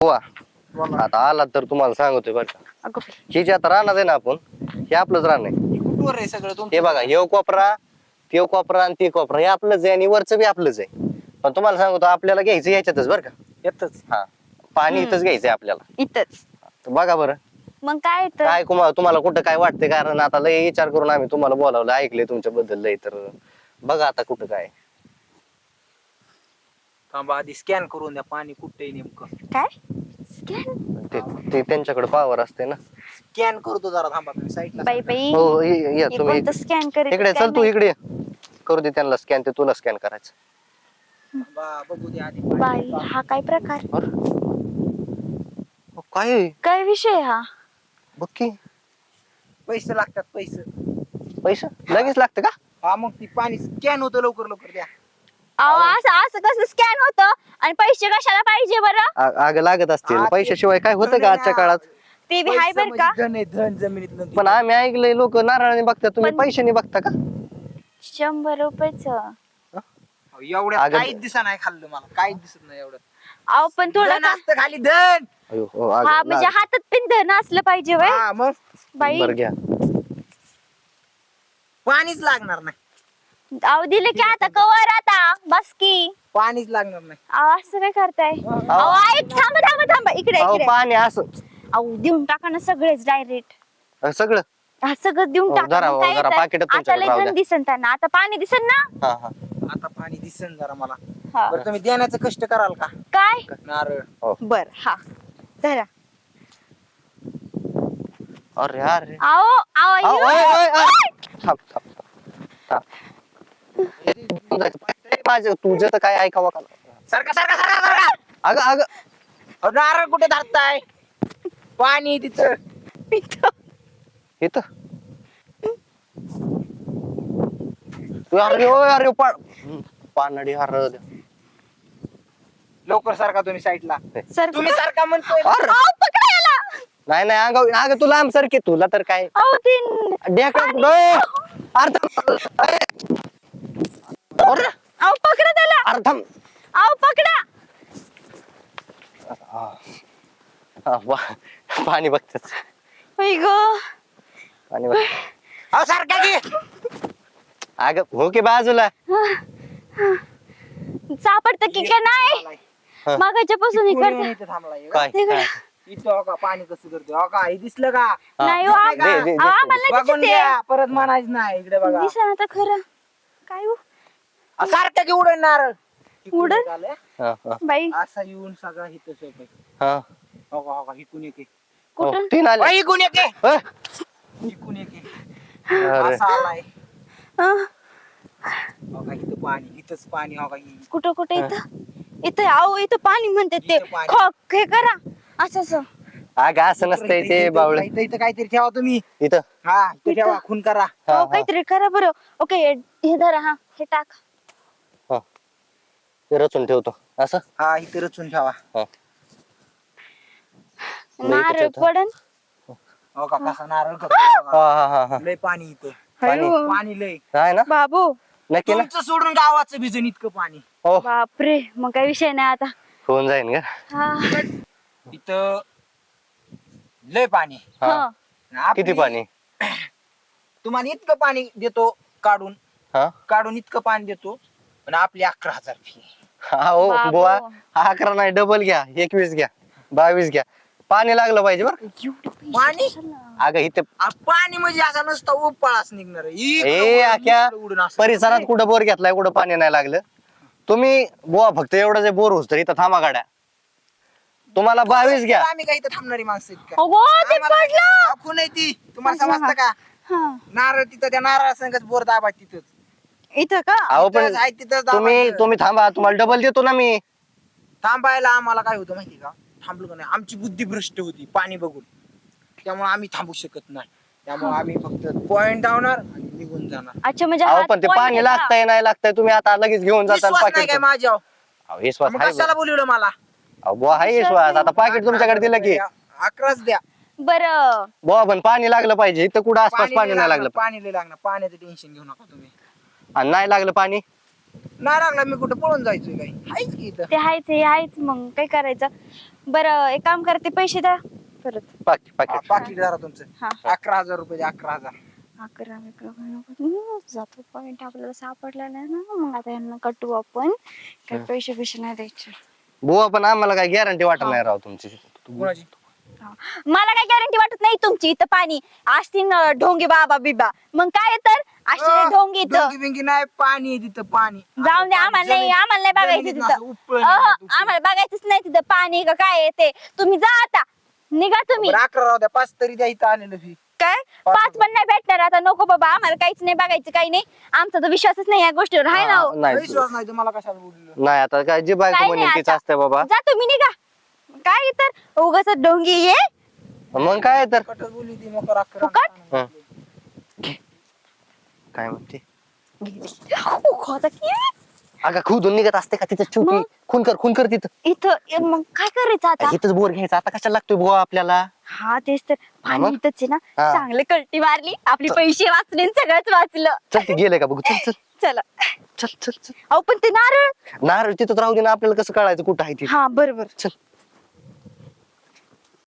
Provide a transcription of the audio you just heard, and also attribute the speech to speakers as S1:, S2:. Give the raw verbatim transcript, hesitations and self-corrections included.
S1: बुवा आता आला तर तुम्हाला सांगतोय बरं का, हे जे आता राहणार आहे ना आपण, हे आपलंच राहणं आहे.
S2: कुठवर आहे सगळं तुमचं?
S1: हे बघा, हे कोपरा, ते कोपरा आणि ते कोपरा हे आपलंच आहे आणि वरचं बी आपलंच आहे. पण तुम्हाला सांगतो आपल्याला घ्यायचं याच्यातच बरं का.
S2: येतच.
S1: हा, पाणी
S3: हम्म.
S1: इथंच घ्यायचंय आपल्याला.
S3: इथंच
S1: तर बघा बरं
S3: मग काय तर
S1: काय कुमा- तुम्हाला कुठं काय वाटतंय, कारण आता लय विचार करून आम्ही तुम्हाला बोलावलं, ऐकलंय तुमच्याबद्दल लय, तर बघा आता कुठं काय.
S2: थांबा आधी स्कॅन करून द्या पाणी कुठे आहे नेमकं.
S3: काय स्कॅन
S1: ते ते त्यांच्याकडे पावर असते ना.
S2: स्कॅन करतो जरा थांबा तुम्ही साईडला.
S3: बाई बाई
S1: हो ये- या
S3: हे
S1: तुम्ही
S3: कोणतं स्कॅन करीत
S1: इकडे
S3: काय
S1: चल, तू
S3: माहित.
S1: इकडे ये. करू दे त्यांना स्कॅन, ते तुला स्कॅन करायचं.
S2: थांबा बघू दे आधी
S3: बाई
S2: पाणी.
S3: हा काय प्रकार,
S1: अहो, काय आहे?
S3: काय विषय हा?
S1: बघ की
S2: पैसे लागतात पैसे.
S1: पैसे लगेच लागतं का?
S2: हा मग ती पाणी स्कॅन होतं लवकर लवकर द्या.
S3: अहो असं असं कसं स्कॅन होतं आणि पैसे कशाला पाहिजे बरं?
S1: आ- आग लागत असतील,
S2: आ, ते
S1: पैशाशिवाय काय होतं
S2: धन
S1: का
S2: आहे
S1: आजच्या
S2: ना.
S1: काळात?
S3: ते बी हाय
S2: पैसे
S3: बर का.
S2: म्हणजे धन आहे, धन जमिनीतलं.
S1: पण आम्ही ऐकलंय लोक नारळाने बघता, तुम्ही
S3: पण-
S1: पैशाने बघता का?
S3: शंभर रुपयाच.
S2: एवढ्या
S1: अगं-
S2: काहीच दिसा नाही खाल्लं मला, काहीच दिसत नाही एवढं.
S3: अहो पण थोडं
S2: धन
S3: का-
S2: असतं खाली धन.
S1: अयो, हो, आग
S3: हा म्हणजे
S1: लाग-
S3: हातात पिन धन असलं पाहिजे वय
S2: हा मग
S3: बाई.
S1: बरं घ्या.
S2: पाणीच लागणार नाही.
S3: अहो दिले की आता कवर आता बस की.
S2: पाणीच लागणार नाही.
S3: अहो असं काय करताय? अहो ऐक, थांबा थांबा थांबा इकडे
S1: अहो
S3: इकडे.
S1: पाणी असं
S3: अहो देऊन टाका ना सगळेच डायरेक्ट.
S1: अ, सगळं
S3: सगळं देऊन
S1: हो,
S3: टाका
S1: जरा-
S3: मग काय
S1: जरा
S3: येतं?
S1: पाकिटात
S3: आता
S1: तुमच्याकडे
S3: लय
S1: राहू
S3: धन
S1: द्या.
S3: दिसन त्यांना, आता पाणी दिसन ना.
S1: हा हा
S2: आता पाणी दिसन जरा मला.
S3: हा.
S2: बरं तुम्ही देण्याचं कष्ट कराल का?
S3: काय
S2: नारळ.
S3: बर हा धरा.
S1: अरे अरे
S3: आओ आओ
S1: अहो,
S3: अयो.
S1: ओय, ओय, ओय. थांब थांब थांब. माझं तुझं तर काय ऐकावं का?
S2: सारखा सारखा सारखा सारखा.
S1: अगं अगं
S2: अहो, नारळ कुठे धरताय? पाणी तिथं.
S1: इथं तू अरे ओय, अरे पा पानडी अरे
S2: लवकर सारखा तुम्ही साईडला.
S3: सर
S2: तुम्ही सारखा म्हणतोय.
S1: अरे.
S3: आओ पकडा याला.
S1: नाही नाही अगं अगं तुला आम सारखे तुला तर काय
S3: आओ तीन
S1: ढेकळा कुठं? अरे थांब. अरे
S3: आओ पकडा त्याला.
S1: अरे थांब.
S3: आओ पकडा.
S1: हा, वा- पाणी बघतच
S3: होय ग.
S1: पाणी बघ.
S2: अहो सारखा की.
S1: अगं हो की बाजूला.
S3: सापडत की का नाही?
S1: हा.
S3: मागाच्या पासून हे
S2: कोणी
S3: करते.
S2: म्हणून इथं थांबलाय?
S1: काय
S3: तिकडे.
S1: काय?
S2: इथं हो का पाणी कसं करतोय? हो का हे दिसलं का?
S1: हा.
S3: नाही हो,
S1: दे- दे- दे-
S3: अहो, आम्हाला नाही
S2: बघून
S3: दिसते.
S2: घ्या परत म्हणायचं नाही. इकडे बघा.
S3: दिसा आता खरं काय हो
S2: अहो, सारखं की उडण नारळ. इकडून
S3: उडण?
S2: एक आलंय.
S1: हा, हा,
S3: बाई
S2: असा येऊन सगळा इथं सोपं.
S1: हा.
S2: हो का हो का इकून एक
S1: हो,
S3: कुठं?
S1: तीन आले.
S2: आहे. इकून एक आहे.
S1: अय.
S2: इकून एक आहे.
S1: अरे
S2: असा आलाय.
S3: अं,
S2: हो का इथं पाणी इथंच पाणी. हो का इ-
S3: कुठं कुठं इथं इथं आओ इथं पाणी म्हणते ते
S2: इथं पाणी.
S3: खॉक हे करा असं असं.
S1: अगं असं नसतंय
S2: इथं-
S1: ते
S2: इथं-
S1: बावळे
S2: इथं इथं काहीतरी ठेवा तुम्ही.
S1: इथं
S2: हा इथं ठेवा खून करा.
S1: हा,
S3: हो
S1: हा.
S3: काहीतरी करा बरं. ओके हे धरा हा हे टाक.
S1: हा. ते रचून ठेवतो असं.
S2: हा इथं रचून ठेवा.
S1: हा.
S3: नारळ
S1: ठेवतो.
S3: पडन.
S2: हो का कसा नारळ करतो बघा.
S1: हा हा हा हा
S2: लय पाणी इथं.
S1: पाणी.
S3: अयो,
S2: पाणी लय.
S1: आहे ना
S3: बाबू
S1: नक्की ना.
S2: तुमचं सोडून गावाचं भिजन इतकं पाणी.
S1: हो
S3: बापरे मग काही विषय नाही आता.
S1: होऊन जाईन का.
S3: हा
S2: इथं लय पाणी.
S1: हा.
S3: हा.
S2: आपली-
S1: किती पाणी.
S2: तुम्हाला इतकं पाणी देतो काढून
S1: हा
S2: काढून इतकं पाणी देतो पण आपली अकरा हजार फी.
S1: हा हो
S3: बाबू.
S1: बुवा हा अकरा नाही डबल घ्या एकवीस घ्या बावीस घ्या पाणी लागलं पाहिजे बरं.
S3: एवढं पैसे
S2: पाणी?
S3: कशाला?
S1: अगं इथे
S2: आ, पाणी म्हणजे असा नुसता उपाळाच निघणार आहे. इकडं
S1: ए
S2: उडून,
S1: आख्या
S2: इकडं उडून असं.
S1: परिसरात कुठं बोर घेतलाय कुठं पाणी नाही लागलं. तुम्ही बुवा फक्त एवढं जे बोर होत इथं थांबा गाड्या तुम्हाला बावीस घ्या.
S2: आम्ही काही इथं थांबणारी माणसं आहेत का?
S3: अगो ते
S2: आम्हाला
S3: पडलं.
S2: आखू नाही ती तुम्हाला
S3: अच्छा,
S2: समजतं का?
S3: हा.
S2: नारळ तिथं त्या नारळ संगच बोर दाबा तिथंच.
S3: इथं का?
S1: अहो पण
S2: तिथंच आहे, तिथंच
S1: तुम्ही
S2: दाबायचं.
S1: तुम्ही थांबा तुम्हाला डबल देतो ना मी.
S2: थांबायला आम्हाला काय होतं माहिती का? थांबलो का नाही आमची बुद्धी भ्रष्ट होती पाणी बघून. त्यामुळे आम्ही थांबू शकत नाही. त्यामुळे आम्ही फक्त पॉइंट धावणार आणि निघून जाणार.
S3: अच्छा म्हणजे
S1: अहो
S3: हात
S1: पण ते
S3: point
S1: पाणी
S3: आहे का?
S1: लागतंय नाही लागतंय तुम्ही आता लगेच घेऊन जाता
S2: विश्वास नाही
S1: पाकिट.
S2: काय माझ्यावर?
S1: अहो विश्वास
S2: मग
S1: आहे
S2: कशाला बोलवलं मला?
S1: अहो बुवा आहे
S3: विश्वास
S1: विश्वास
S3: नाही.
S1: आता पाकिट तुमच्याकडे दिलं की
S2: अकराच द्या.
S3: बरं
S1: बुवा पण पाणी लागलं पाहिजे इथं कुठं आसपास
S2: पाणी
S1: पाणी
S2: लय
S1: नाही
S2: लागणार,
S1: लागलं
S2: पाणी लय लागणार. पाण्याचं टेन्शन घेऊ नका तुम्ही.
S1: आणि नाही लागलं पाणी
S2: नाही लागलं मी कुठं पळून जायचोय काही आहेच की इथं.
S3: ते हायच हे हायच मग काय करायचं. बरं एक काम करते पैसे द्या परत.
S1: पाकिट पाकिट
S2: पाकिट जरा तुमचं
S3: हा
S2: अकरा हजार रुपये द्या, अकरा हजार.
S3: अकरा अकरा हम्म, जातो पॉइंट आपल्याला सापडला नाही ना मग आता यांना कटू आपण काही पैसे पैसे नाही द्यायचे.
S1: बुवा पण आम्हाला काय गॅरंटी वाटत नाही राव तुमची.
S2: कोणाची?
S3: मला काय गॅरंटी वाटत नाही तुमची इथं पाणी असतील ना ढोंगे बाबा बिबा मग काय तर असे ढोंगे इथं
S2: डोंगी बिंगी नाही, पाणी आहे तिथं पाणी.
S3: जाऊन दे आम्हाला नाही
S2: जमीन-
S3: आम्हाला नाही बघायचं
S2: जमिनीतनं
S3: तिथं
S2: असं उपळून
S3: अहो,
S2: येतं तुमची.
S3: आम्हाला बघायचंच नाही तिथं पाणी का काय आहे ते तुम्ही जा आता निघा तुम्ही.
S2: बरं, अकरा राहू द्या, पाच तरी द्या इथं आलेलं फी.
S3: काय
S2: पाच
S3: पाच पण नाही भेटणार आता नको बाबा आम्हाला काहीच नाही बघायचं काही नाही आमचा तर विश्वासच नाही या गोष्टीवर हाय ना हो.
S1: नाही
S2: विश्वास नाही तुम्हाला कशाला बोललो.
S1: नाही आता काय जी बायको
S3: काय
S1: म्हणेल
S3: नाही
S1: तीच
S3: आता.
S1: असते बाबा.
S3: जा तुम्ही निघा काय तर उगाच ढोंगी ये
S1: मग काय तर
S2: कटच बोलली ती मकर अकरा.
S3: फुकट?
S1: हं. काय म्हणते
S3: खोता की
S1: अगं खुदून निघत असते का तिथं शेवटी
S3: मग?
S1: खून कर खून कर तिथं.
S3: इथं ए, मग काय करायचं आता
S1: इथंच बोर घ्यायचा आता कशाला लागतोय बुवा आपल्याला.
S3: हा तेच तर पाणी
S1: मग?
S3: इथंच आहे ना
S1: हा.
S3: चांगले कल्टी मारली आपले पैसे वाचले आणि सगळंच वाचलं.
S1: चल ते गेलंय का बघू चल चल
S3: चला
S1: चल चल चल
S3: अहो पण ते नारळ
S1: नारळ तिथंच राहू दे ना आपल्याला कसं कळायचं कुठं आहे ते.
S3: हा बरोबर
S1: चल